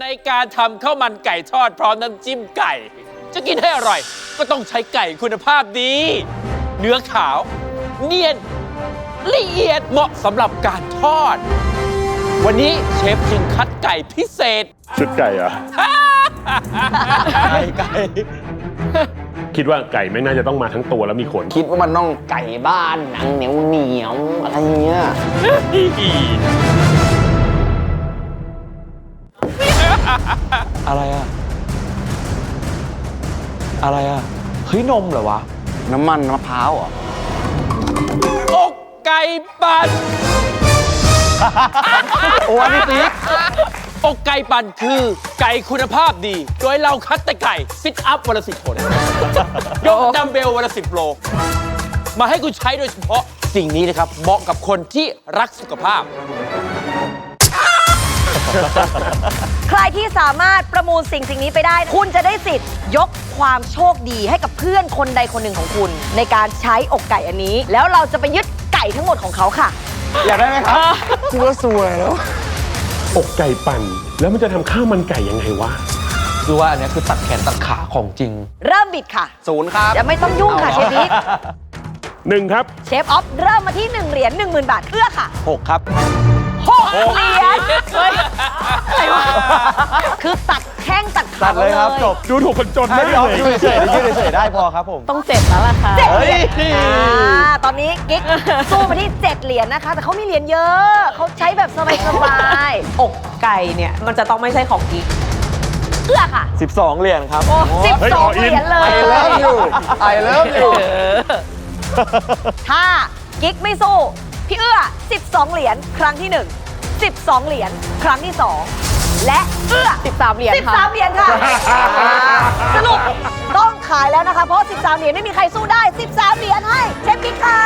ในการทำข้าวมันไก่ทอดพร้อมน้ำจิ้มไก่ จะกินให้อร่อยก็ต้องใช้ไก่คุณภาพดี เนื้อขาว เนียนละเอียดเหมาะสำหรับการทอด วันนี้เชฟจึงคัดไก่พิเศษชุดไก่เหรอไก่คิดว่าไก่ไม่น่าจะต้องมาทั้งตัวแล้วมีขนคิดว่ามันต้องไก่บ้านหนังเหนียวเหนียวอะไรเงี้ยอะไรอะอะไรอะเฮ้ยนมเหรอวะน้ำมันมะพร้าวเหรออกไก่ปั่นโอ้นี่ติ๊กอกไก่ปั่นคือไก่คุณภาพดี โดยเราคัดแต่ไก่ซิทอัพวันละ10 คน ยกดัมเบลวันละ10 โล มาให้คุณใช้โดยเฉพาะสิ่งนี้นะครับ เหมาะกับคนที่รักสุขภาพใครที่สามารถประมูลสิ่งนี้ไปได้ คุณจะได้สิทธิ์ยกความโชคดีให้กับเพื่อนคนใดคนหนึ่งของคุณ ในการใช้อกไก่อันนี้ แล้วเราจะไปยึดไก่ทั้งหมดของเขาค่ะอยากได้ไหมครับกูว่าสวยแล้วอกไก่ปั่น แล้วมันจะทำข้าวมันไก่ยังไงวะคือว่าอันเนี้ยคือตัดแขนตัดขาของจริงเริ่มบิดค่ะ 0 ครับอย่าไม่ต้องยุ่งค่ะเชฟบิ๊ก 1 ครับเชฟออฟเริ่มมาที่1เหรียญ 10,000 บาทเอื้อค่ะ 6 ครับ 6 เหรียญเฮ้ยอะไรวะคือตัดแข้งตัดขาตัดเลยครับจบดูถูกคนจนให้มากพี่ออฟเลยยืดเฉยๆยืดเฉยๆได้พอครับผมต้อง7แล้วล่ะค่ะ 7 เหรียญเฮ้ยตอนนี้กิ๊กสู้มาที่ 7 เหรียญนะคะ แต่เขามีเหรียญเยอะ เขาใช้แบบสบายอกไก่เนี่ย มันจะต้องไม่ใช่ของกิ๊กๆเอื้อค่ะ 12 เหรียญครับโอ้12 เหรียญเลย I love you I love you ถ้ากิ๊กไม่สู้ พี่เอื้อ 12 เหรียญครั้งที่ 1 12 เหรียญครั้งที่ 2 และเอื้อ 13 เหรียญค่ะ 13 เหรียญค่ะ สรุปต้องขายแล้วนะคะ เพราะ 13 เหรียญไม่มีใครสู้ได้ 13 เหรียญให้เชฟกิ๊กค่ะ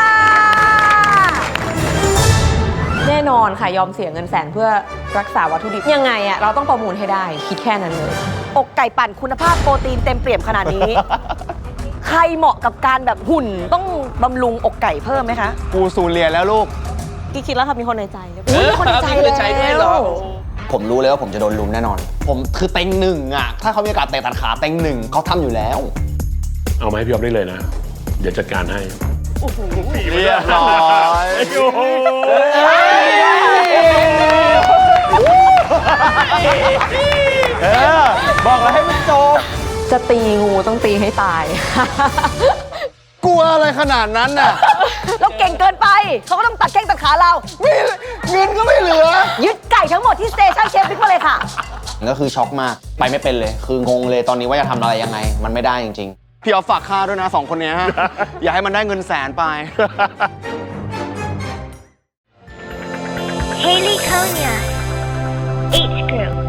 แน่นอนค่ะ ยอมเสียเงินแสนเพื่อรักษาวัตถุดิบยังไงอะเราต้องประมูลให้ได้ คิดแค่นั้นเลยอกไก่ปั่นคุณภาพโปรตีนเต็มเปี่ยมขนาดนี้ ใครเหมาะกับการแบบหุ่นต้องบำรุงอกไก่เพิ่มไหมคะกู0 เหรียญแล้วลูกกิ๊กคิดแล้วค่ะมีคนในใจอุ๊ยมีคนในใจมีคนในใจด้วยเหรอแล้วผมรู้เลยว่าผมจะโดนลุมแน่นอน ผมคือเต็งหนึ่งอ่ะ ถ้าเขามีโอกาสเตะตัดขาเต็งหนึ่งเขาทำอยู่แล้วเอามาให้พี่ออฟได้เลยนะ เดี๋ยวจัดการให้เรียบร้อยโอ้โหบอกแล้วให้มันจบจะตีงูต้องตีให้ตายกลัวอะไรขนาดนั้นน่ะเราเก่งเกินไป เขาก็ต้องตัดแข้งตัดขาเราเงินก็ไม่เหลือยึดไก่ทั้งหมดที่สเตชันเชฟบิ๊กมาเลยค่ะก็คือช็อกมาก ไปไม่เป็นเลย คืองงเลยตอนนี้ว่าจะทำอะไรยังไง มันไม่ได้จริงๆ พี่ออฟฝากค่าด้วยนะ2 คนเนี้ย อย่าให้มันได้เงินแสนไป Haley Konya, H Group.